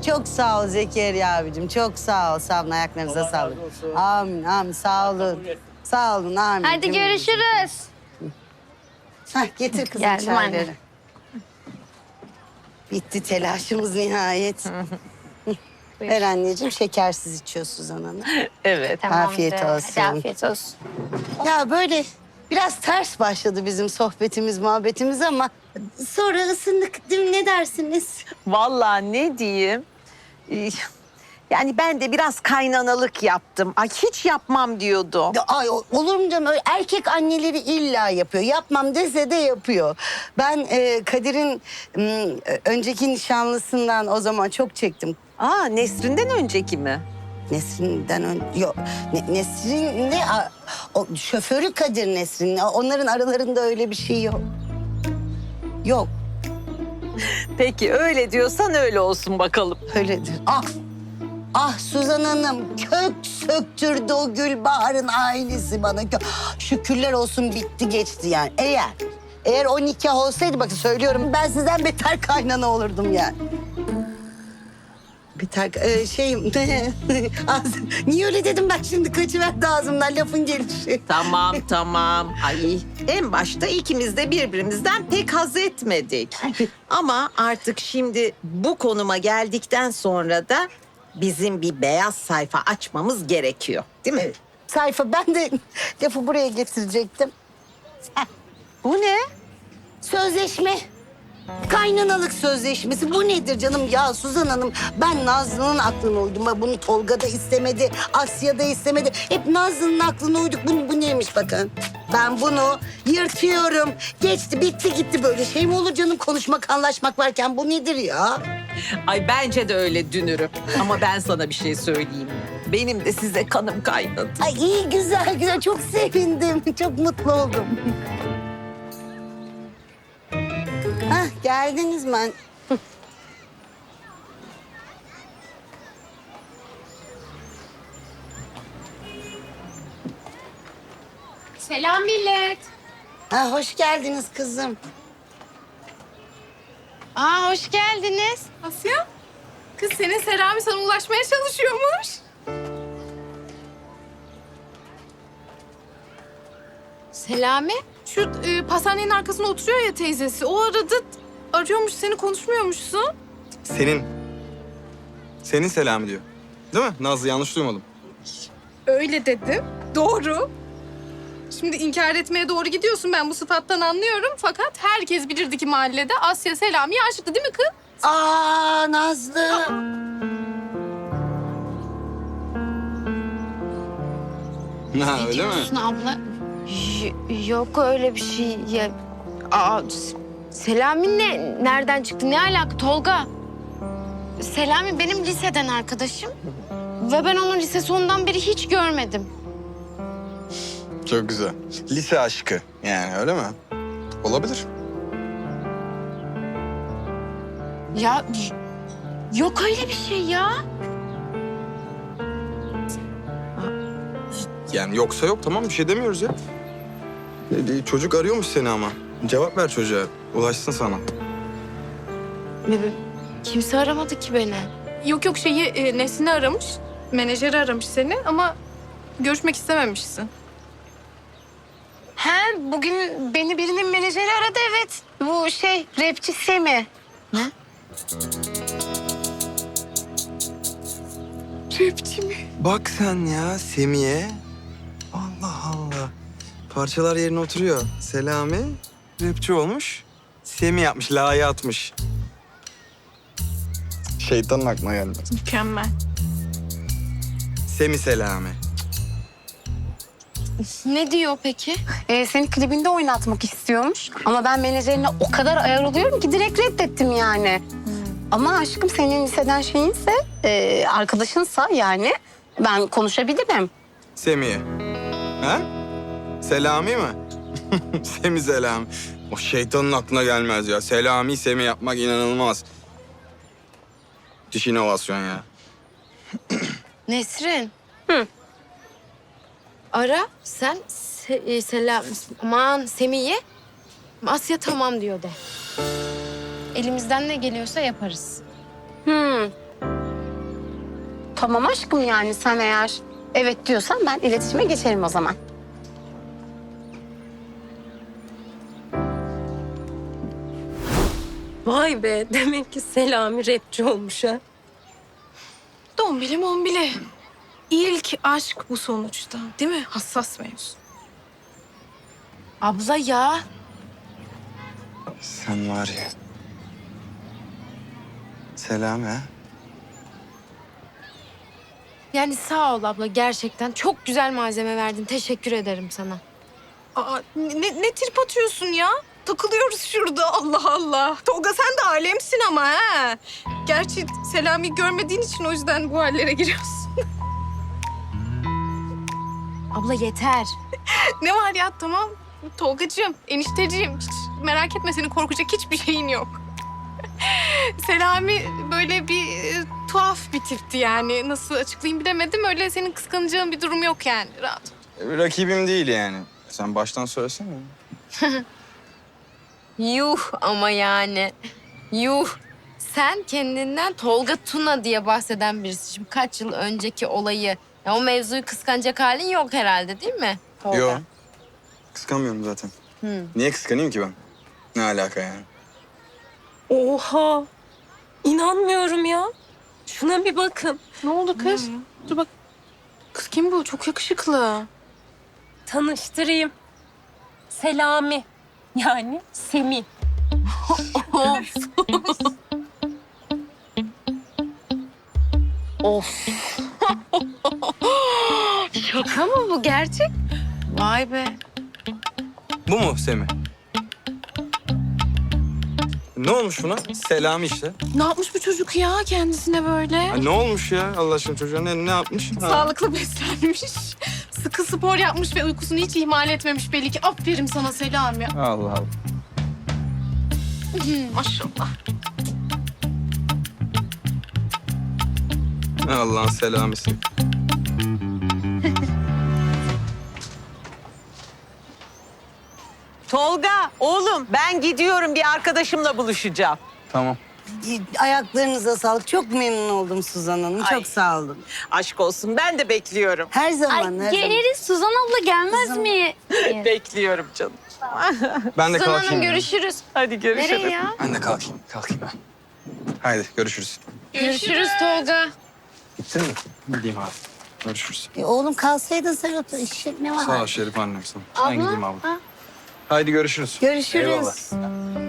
Çok sağ ol Zekeriya abicim. Çok sağ ol. Sağ olun. Ayaklarınıza sağlık. Amin, amin. Sağ olun. Sağ olun, amin. Hadi görüşürüz. Hah, getir kızım Geldim çayları. anne. Bitti telaşımız nihayet. Ver anneciğim, şekersiz içiyor Suzan Hanım. Evet. Afiyet olsun. Hadi afiyet olsun. Ya böyle biraz ters başladı bizim sohbetimiz, muhabbetimiz ama sonra ısındık değil mi? Ne dersiniz? Vallahi ne diyeyim? Yani ben de biraz kaynanalık yaptım. Ay hiç yapmam diyordu. Ay olur mu canım? Öyle erkek anneleri illa yapıyor. Yapmam dese de yapıyor. Ben Kadir'in önceki nişanlısından o zaman çok çektim. Aa Nesrin'den önceki mi? Nesrin'den yok. Nesrin ne? O şoförü Kadir Nesrin. Onların aralarında öyle bir şey yok. Yok. Peki öyle diyorsan öyle olsun bakalım. Öyledir. Ah! Ah Suzan Hanım kök söktürdü o Gülbahar'ın ailesi bana. Şükürler olsun bitti geçti yani. Eğer o nikah olsaydı bakın söylüyorum ben sizden beter kaynana olurdum yani. Beter niye öyle dedim ben şimdi kaçıverdi ağzımdan lafın gelişi. Tamam. Ay en başta ikimiz de birbirimizden pek haz etmedik. Ama artık şimdi bu konuma geldikten sonra da bizim bir beyaz sayfa açmamız gerekiyor. Değil mi? Sayfa ben de lafı buraya getirecektim. Bu ne? Sözleşme. Kaynanalık sözleşmesi. Bu nedir canım? Ya Suzan Hanım ben Nazlı'nın aklına uydum. Bunu Tolga da istemedi, Asya da istemedi. Hep Nazlı'nın aklına uyduk. Bu neymiş bakın. Ben bunu yırtıyorum. Geçti, bitti gitti böyle. Şey mi olur canım konuşmak, anlaşmak varken bu nedir ya? Ay bence de öyle dünürüm. Ama ben sana bir şey söyleyeyim. Benim de size kanım kaynadı. Ay iyi güzel. Çok sevindim. Çok mutlu oldum. Hah geldiniz mi? Selam millet. Ha, hoş geldiniz kızım. Aa hoş geldiniz. Asya, kız senin Selami sana ulaşmaya çalışıyormuş. Selami? Şu pastanenin arkasında oturuyor ya teyzesi. O arıyormuş seni konuşmuyormuşsun. Senin Selami diyor. Değil mi? Nazlı yanlış duymadım. Öyle dedim. Doğru. Şimdi inkar etmeye doğru gidiyorsun ben bu sıfattan anlıyorum. Fakat herkes bilirdi ki mahallede Asya Selami'ye aşıktı değil mi kız? Aa Nazlı. Ha öyle mi? Diyorsun abla. Yok öyle bir şey. Ya, Selami nereden çıktı? Ne alaka Tolga? Selami benim liseden arkadaşım. Ve ben onu lise sonundan beri hiç görmedim. Çok güzel. Lise aşkı yani öyle mi? Olabilir. Ya yok öyle bir şey ya. Yani yoksa yok tamam bir şey demiyoruz ya. Çocuk arıyormuş seni ama. Cevap ver çocuğa. Ulaşsın sana. Kimse aramadı ki beni. Yok Nesli'ni aramış. Menajeri aramış seni ama görüşmek istememişsin. He bugün beni birinin menajeri aradı evet. Bu rapçi Semi. Ne? Rapçi mi? Bak sen ya Semiye. Allah Allah. Parçalar yerine oturuyor. Selami rapçi olmuş. Semi yapmış, la'yı atmış. Şeytanın aklına gelmez. Mükemmel. Semi Selami. Ne diyor peki? Seni klibinde oynatmak istiyormuş. Ama ben menajerine o kadar ayar oluyorum ki direkt reddettim yani. Ama aşkım senin liseden şeyinse, arkadaşınsa yani ben konuşabilirim. Semiye. Ha? Selami mi? Semi Selami. O şeytanın aklına gelmez ya. Selami Semi yapmak inanılmaz. Müthiş inovasyon ya. Nesrin. Ara sen Selam aman Semih'e Asya tamam diyor de. Elimizden ne geliyorsa yaparız. Tamam aşkım, yani sen eğer evet diyorsan ben iletişime geçerim o zaman. Vay be, demek ki Selami rapçi olmuş ha. Dombili mombili. İlk aşk bu sonuçta değil mi? Hassas mevzu. Abla ya. Sen var ya. Selami ha? Yani sağ ol abla, gerçekten çok güzel malzeme verdin. Teşekkür ederim sana. Aa, ne trip atıyorsun ya? Takılıyoruz şurada, Allah Allah. Tolga sen de alemsin ama ha. Gerçi Selami görmediğin için o yüzden bu hallere giriyorsun. Abla yeter. Ne var ya, tamam. Tolgacığım, enişteciğim, hiç merak etme, senin korkacak hiçbir şeyin yok. Selami böyle bir tuhaf bir tipti yani. Nasıl açıklayayım bilemedim. Öyle senin kıskanacağın bir durum yok yani. Rahat ol. Rakibim değil yani. Sen baştan söylesene. Yuh ama yani. Yuh. Sen kendinden Tolga Tuna diye bahseden birisi. Şimdi kaç yıl önceki olayı, ya o mevzuyu kıskanacak halin yok herhalde, değil mi Tolga? Yok. Kıskanmıyorum zaten. Niye kıskanayım ki ben? Ne alaka yani? Oha! İnanmıyorum ya. Şuna bir bakın. Ne oldu kız? Dur bak. Kız kim bu? Çok yakışıklı. Tanıştırayım. Selami. Yani Semih. Of. Şaka mı bu, gerçek? Vay be. Bu mu Semih? Ne olmuş buna? Selami işte. Ne yapmış bu çocuk ya kendisine böyle? Ha, ne olmuş ya Allah aşkına çocuğa ne yapmış? Ha. Sağlıklı beslenmiş. Sıkı spor yapmış ve uykusunu hiç ihmal etmemiş belli ki. Aferin sana Selami. Allah Allah. Maşallah. Allah'ın selamisi. Tolga, oğlum ben gidiyorum, bir arkadaşımla buluşacağım. Tamam. Ayaklarınıza sağlık. Çok memnun oldum Suzan Hanım. Ay. Çok sağ olun. Aşk olsun, ben de bekliyorum. Her zaman, her zaman. Geliriz, Suzan abla gelmez mi? Bekliyorum canım. Ben de Suzan kalkayım. Hanım ya. görüşürüz. Hadi görüşürüz. Nereye ya? Ben de kalkayım ben. Haydi görüşürüz. Görüşürüz Tolga. Gittin mi? Gideyim abi. Görüşürüz. Oğlum kalsaydın sen otur. İşin ne var? Sağ ol Şerif annem sana. Ben gideyim abla. Haydi görüşürüz. Görüşürüz. Eyvallah.